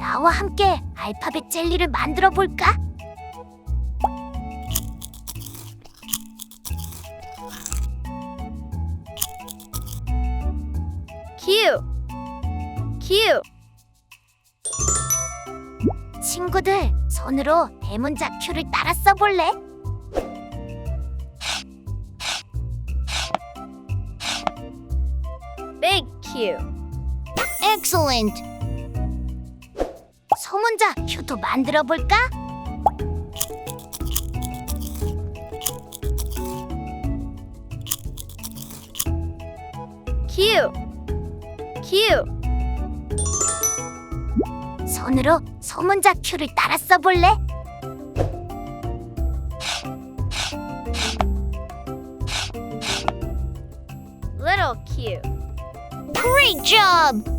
나와 함께 알파벳 젤리를 만들어 볼까? Q Q 친구들, 손으로 대문자 Q를 따라 써볼래? Big Q Excellent! 소문자 Q도 만들어 볼까? Q Q 손으로 소문자 Q를 따라 써볼래? Little Q Great job!